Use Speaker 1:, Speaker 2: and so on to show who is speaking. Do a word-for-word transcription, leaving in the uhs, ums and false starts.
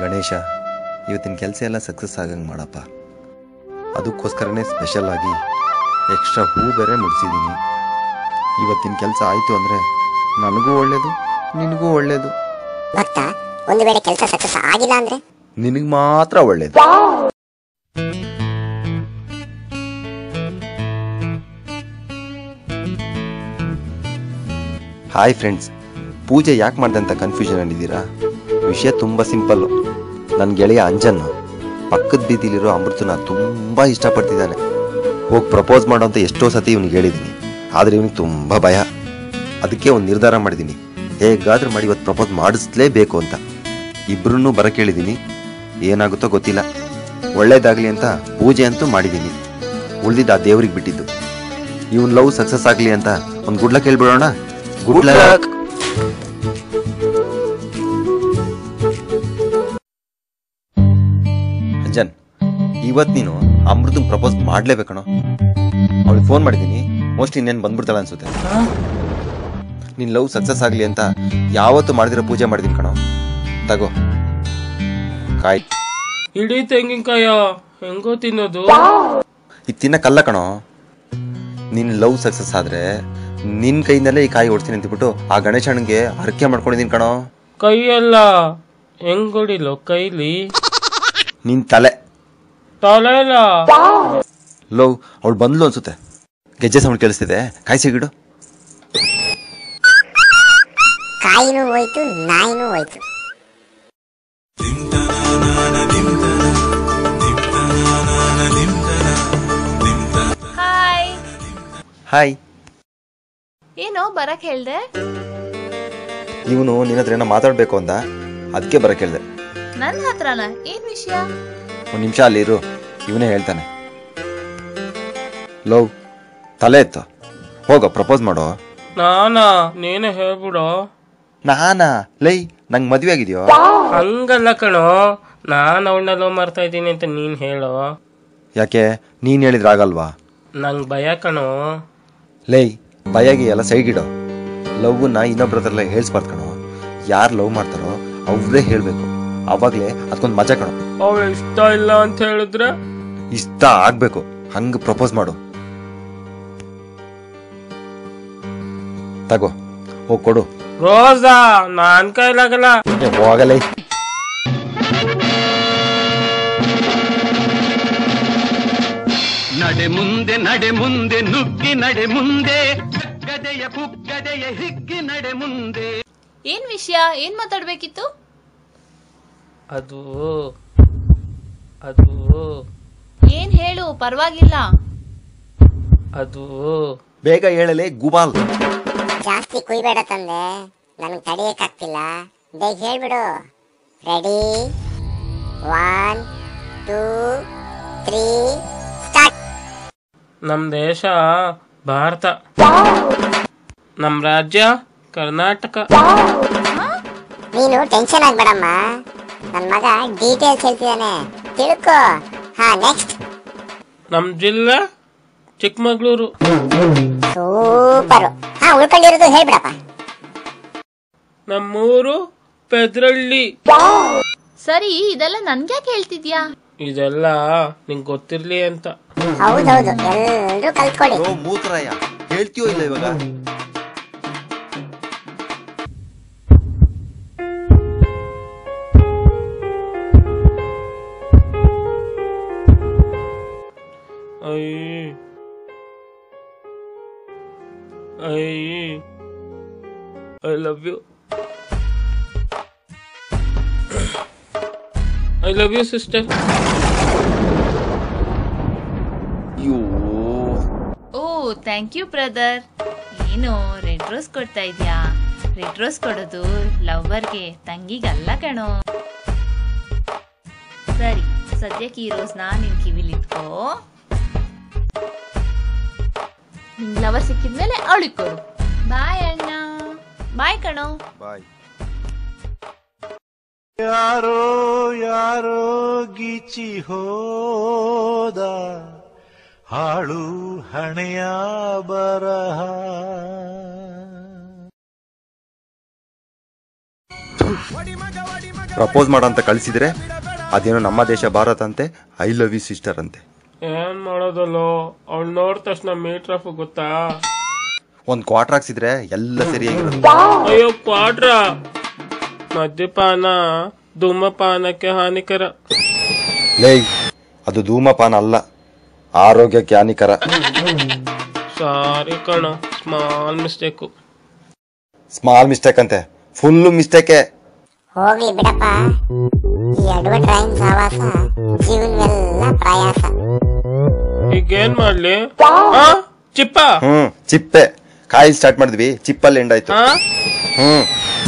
Speaker 1: ಗಣೇಶ, ಇವತ್ತಿನ ಕೆಲಸ ಎಲ್ಲ ಸಕ್ಸಸ್ ಆಗಂಗೆ ಮಾಡಪ್ಪ. ಅದಕ್ಕೋಸ್ಕರನೇ ಸ್ಪೆಷಲ್ ಆಗಿ ಎಕ್ಸ್ಟ್ರಾ ಹೂ ಬೇರೆ ಮುಡಿಸಿದ್ದೀನಿ. ಇವತ್ತಿನ ಕೆಲಸ ಆಯಿತು ಅಂದರೆ ನನಗೂ ಒಳ್ಳೇದು, ನಿನಗೂ ಒಳ್ಳೇದು.
Speaker 2: ಭಕ್ತ, ಒಂದು ವೇಳೆ ಕೆಲಸ ಸಕ್ಸಸ್ ಆಗಿಲ್ಲ ಅಂದ್ರೆ
Speaker 1: ನಿನಗೆ ಮಾತ್ರ ಒಳ್ಳೇದು. ಹಾಯ್ ಫ್ರೆಂಡ್ಸ್, ಪೂಜೆ ಯಾಕೆ ಮಾಡ್ದೆ ಅಂತ ಕನ್ಫ್ಯೂಷನ್ ಅಂದಿದ್ದೀರಾ? ವಿಷಯ ತುಂಬ ಸಿಂಪಲ್ಲು. ನನ್ನ ಗೆಳೆಯ ಅಂಜನ್ ಪಕ್ಕದ ಬೀದಿಲಿರೋ ಅಮೃತನ ತುಂಬ ಇಷ್ಟಪಡ್ತಿದ್ದಾನೆ. ಹೋಗಿ ಪ್ರಪೋಸ್ ಮಾಡೋ ಅಂತ ಎಷ್ಟೋ ಸತಿ ಇವನಿಗೆ ಹೇಳಿದ್ದೀನಿ, ಆದರೆ ಇವನಿಗೆ ತುಂಬ ಭಯ. ಅದಕ್ಕೆ ಒಂದು ನಿರ್ಧಾರ ಮಾಡಿದ್ದೀನಿ, ಹೇಗಾದ್ರೂ ಮಾಡಿ ಇವತ್ತು ಪ್ರಪೋಸ್ ಮಾಡಿಸ್ಲೇಬೇಕು ಅಂತ. ಇಬ್ಬರನ್ನೂ ಬರಕ್ಕೆ ಹೇಳಿದ್ದೀನಿ, ಏನಾಗುತ್ತೋ ಗೊತ್ತಿಲ್ಲ. ಒಳ್ಳೇದಾಗಲಿ ಅಂತ ಪೂಜೆ ಅಂತೂ ಮಾಡಿದ್ದೀನಿ, ಉಳಿದಿದ್ದು ಆ ದೇವ್ರಿಗೆ ಬಿಟ್ಟಿದ್ದು. ಇವನ್ ಲವ್ ಸಕ್ಸಸ್ ಆಗಲಿ ಅಂತ ಒಂದು ಗುಡ್ ಲಕ್ ಹೇಳ್ಬಿಡೋಣ. Good luck. ಅಂಜನ್, ಇವತ್ತು ನೀನು ಅಮೃತಂಗೆ ಪ್ರಪೋಸ್ ಮಾಡ್ಲೇಬೇಕಣೋ. ಅವಳಿಗೆ ಫೋನ್ ಮಾಡಿದ್ದೀನಿ, ಮೋಸ್ಟ್ಲಿ ಇನ್ನೇನು ಬಂದ್ಬಿಡ್ತಾಳ ಅನ್ಸುತ್ತೆ. ನಿನ್ ಲವ್ ಸಕ್ಸಸ್ ಆಗಲಿ ಅಂತ ಯಾವತ್ತು ಮಾಡಿದಿರೋ ಪೂಜೆ ಮಾಡಿದೀನಿ ಕಣೋ. ತಗೋ ಕಾಯಿ.
Speaker 3: ಇಡೀ ತೆಂಗಿನಕಾಯ ಹೆಂಗೋ ತಿನ್ನೋದು?
Speaker 1: ಇದು ತಿನ್ನಕ್ಕಲ್ಲ ಕಣೋ. ನಿನ್ ಲವ್ ಸಕ್ಸಸ್ ಆದ್ರೆ ನಿನ್ ಕೈಯಿಂದಲೇ ಈ ಕಾಯಿ ಹೊಡ್ತೀನಿ ಅಂದ್ಬಿಟ್ಟು ಆ ಗಣೇಶನಿಗೆ ಹರಕೆ ಮಾಡ್ಕೊಂಡಿದೀನಿ ಕಣೋ.
Speaker 3: ಕೈಯಲ್ಲ, ಹೆಂಗ್ ಹೊಡಿಲೋ ಕೈಲಿ?
Speaker 1: ನಿನ್ ತಲೆ
Speaker 3: ತಲೆ ಇಲ್ಲ.
Speaker 1: ಲವ್ ಅವಳು ಬಂದ್ಲು ಅನ್ಸುತ್ತೆ, ಗೆಜ್ಜೆ ಸೌಂಡ್ ಕೇಳಿಸ್ತಿದೆ. ಕಾಯಿ ಸಿಗಿಡು.
Speaker 2: ಕಾಯಿನೂ ಹೋಯ್ತು, ನಾಯಿನೂ ಹೋಯ್ತು.
Speaker 4: ಹಾಯ್.
Speaker 1: ಹಾಯ್.
Speaker 4: ಏನೋ ಬರಕ್ ಹೇಳ್ದೆ?
Speaker 1: ಇವನು ನಿನ್ನ ಹತ್ರ ಏನೋ ಮಾತಾಡ್ಬೇಕು ಅಂದ, ಅದಕ್ಕೆ ಬರಕ್ ಹೇಳ್ದೆ.
Speaker 4: ನನ್ನ ಹತ್ರನ? ಏನ್ ವಿಷಯ?
Speaker 1: ಒಂದ್ ನಿಮಿಷ ಅಲ್ಲಿರು, ಇವನೇ ಹೇಳ್ತಾನೆ. ಲವ್ ತಲೆ ಎತ್ತು, ಹೋಗೋ ಪ್ರಪೋಸ್ ಮಾಡೋ.
Speaker 3: ನಾನಾ? ನೀನೇ ಹೇಳ್ಬಿಡೋ.
Speaker 1: ನಾನಾ? ಲೈ, ನಂಗೆ ಮದ್ವೆ ಆಗಿದ್ಯೋ?
Speaker 3: ಹಂಗಲ್ಲ ಕಣೋ, ನಾನ್ ಅವಳನ್ನ ಲವ್ ಮಾಡ್ತಾ ಇದ್ದೀನಿ ಅಂತ ನೀನ್ ಹೇಳೋ.
Speaker 1: ಯಾಕೆ, ನೀನ್ ಹೇಳಿದ್ರೆ ಆಗಲ್ವಾ?
Speaker 3: ನಂಗ್ ಭಯ ಕಣೋ.
Speaker 1: ಲೈ, ಭಯಗೆ ಎಲ್ಲ ಸೈಗಿಡೋ. ಲವ್ನ ಇನ್ನೊಬ್ರ ಹತ್ರ ಹೇಳ್ಸ್ಬಾರ್ದು ಕಣೋ. ಯಾರು ಲವ್ ಮಾಡ್ತಾರೋ ಅವ್ರೇ ಹೇಳ್ಬೇಕು, ಅವಾಗ್ಲೇ ಅದಕ್ಕೊಂದು ಮಜಾ ಕಣೋ.
Speaker 3: ಅವ ಇಷ್ಟ ಇಲ್ಲ ಅಂತ ಹೇಳಿದ್ರೆ?
Speaker 1: ಇಷ್ಟ ಆಗ್ಬೇಕು, ಹಂಗ ಪ್ರಪೋಸ್ ಮಾಡು. ತಗೋ, ಹೋಗ್ ಕೊಡು.
Speaker 3: ರೋಸಾ? ನಾನ್ ಕೈಲಾಗಲ್ಲ.
Speaker 1: ಹೋಗಲೇ.
Speaker 5: ನಡೆ ಮುಂದೆ ನಡೆ ಮುಂದೆ ನುಗ್ಗಿ ನಡೆ ಮುಂದೆ, ಗದೆಯ ಕುಗ್ಗದೆಯ ಹಿಗ್ಗಿ ನಡೆ ಮುಂದೆ.
Speaker 4: ಏನ್ ವಿಷಯ? ಏನ್ ಮಾತಾಡ್ಬೇಕಿತ್ತು?
Speaker 3: ಅದು ಅದು
Speaker 4: ಏನ್ ಹೇಳು, ಪರವಾಗಿಲ್ಲ.
Speaker 3: ಅದು
Speaker 1: ಬೇಗ ಹೇಳಲೇ ಗುಬಾಲ್.
Speaker 2: ಜಾಸ್ತಿ ಕುಯ್ಬೇಡ ತಂದೆ, ನನಗೆ ತಡೆಯಕ್ಕಾಗ್ತಿಲ್ಲ. ಬೇಗ ಹೇಳ್ಬಿಡು. Ready? One two three start.
Speaker 3: ನಮ್ ದೇಶ ಭಾರತ, ನಮ್ ರಾಜ್ಯ ಕರ್ನಾಟಕ.
Speaker 2: ನೀನು ಟೆನ್ಷನ್ ಆಗ್ಬೇಡಮ್ಮ, ನನ್ನ ಮಗ ಡೀಟೇಲ್ಸ್ ಹೇಳ್ತಿದ್ದಾನೆ, ತಿಳ್ಕೊ. ಹಾ, ನೆಕ್ಸ್ಟ್.
Speaker 3: ನಮ್ ಜಿಲ್ಲೆ ಚಿಕ್ಕಮಗಳೂರು.
Speaker 2: ಸೂಪರು. ಹಾ, ಉಳ್ಕೊಂಡಿರೋದು ಹೇಳ್ಬಿಡಪ್ಪ.
Speaker 3: ನಮ್ಮೂರು ಪೆದ್ರಳ್ಳಿ.
Speaker 4: ಸರಿ, ಇದೆಲ್ಲ ನನ್ಗ್ಯಾಕೆ ಹೇಳ್ತಿದ್ಯಾ?
Speaker 3: ಇದೆಲ್ಲ ನಿಂಗ್ ಗೊತ್ತಿರ್ಲಿ ಅಂತ.
Speaker 2: ಹೌದೌದು, ಎಲ್ರೂ ಕಲ್ತ್ಕೊಳ್ಳಿ.
Speaker 1: ಓ ಮೂತ್ರಯ್ಯ, ಹೇಳ್ತೀಯೋ ಇಲ್ಲ ಇವಾಗ?
Speaker 3: I I I love you. I love you sister.
Speaker 4: ಓ, ಥ್ಯಾಂಕ್ ಯು ಬ್ರದರ್. ಏನು ರೆಡ್ ರೋಸ್ ಕೊಡ್ತಾ ಇದ್ಯಾ? ರೆಡ್ ರೋಸ್ ಕೊಡೋದು ಲವ್ವರ್ಗೆ, ತಂಗಿಗಲ್ಲ ಕಣೋ. ಸರಿ, ಸದ್ಯಕ್ಕೆ ಈ ರೋಸ್ನ ನಿನ್ ಕಿವಿಲಿಟ್ಕೋ. ನಿನ್ ಲವರ್ ಸಿಕ್ಕಿದ್ಮೇಲೆ ಅವಳಿಗೆ ಕೊಡು. ಬಾಯ್ ಅಣ್ಣ. ಬಾಯ್ ಕಣೋ.
Speaker 1: ಬಾಯ್.
Speaker 6: ಯಾರೋ ಯಾರೋ ಗೀಚಿ ಹೋದ, ಹಾಳು ಹಣೆಯ ಬರಹ.
Speaker 1: ಪ್ರಪೋಸ್ ಮಾಡಂತ ಕಳಿಸಿದ್ರೆ ಅದೇನೋ ನಮ್ಮ ದೇಶ ಭಾರತ ಅಂತೆ, ಐ ಲವ್ ಯು ಸಿಸ್ಟರ್ ಅಂತೆ.
Speaker 3: ಏನ್ ಮಾಡೋದಲ್ಲೋ, ಅವ್ಳು ನೋಡಿದ ತಕ್ಷಣ ಮೀಟರ್ ಆಫ್ ಗೊತ್ತಾ.
Speaker 1: ಒಂದ್ ಕ್ವಾರ್ಟರ್ ಹಾಕ್ಸಿದ್ರೆ ಎಲ್ಲ ಸರಿಯಾಗಿರೋದು.
Speaker 3: ಅಯ್ಯೋ ಕ್ವಾಡ್ರ, ಮದ್ಯಪಾನ ಧೂಮಪಾನಕ್ಕೆ ಹಾನಿಕರ.
Speaker 1: ಲೇ, ಅದು ಧೂಮಪಾನ ಅಲ್ಲ, ಆರೋಗ್ಯಕ್ಕೆ ಹಾನಿಕರ.
Speaker 3: ಸಾರಿ ಕಣ, ಸ್ಮಾಲ್ ಮಿಸ್ಟೇಕು.
Speaker 1: ಸ್ಮಾಲ್ ಮಿಸ್ಟೇಕ್ ಅಂತೆ, ಫುಲ್ ಮಿಸ್ಟೇಕೆ.
Speaker 2: ಹೋಗ್ಲಿ ಬಿಡಪ್ಪ, ಈ ಅಡ್ವರ್ಟೈಸ್ ಸಹವಾಸ ಜೀವನವೆಲ್ಲ ಪ್ರಯಾಸ.
Speaker 3: ಈಗೇನ್ ಮಾಡ್ಲಿ? ಆ? ಚಿಪ್ಪ
Speaker 1: ಹ್ಮ್ ಚಿಪ್ಪೆ ಕಾಯಿ ಸ್ಟಾರ್ಟ್ ಮಾಡಿದ್ವಿ, ಚಿಪ್ಪಲ್ಲಿ ಎಂಡ್ ಆಯ್ತು.
Speaker 3: ಆ?
Speaker 1: ಹ್ಮ್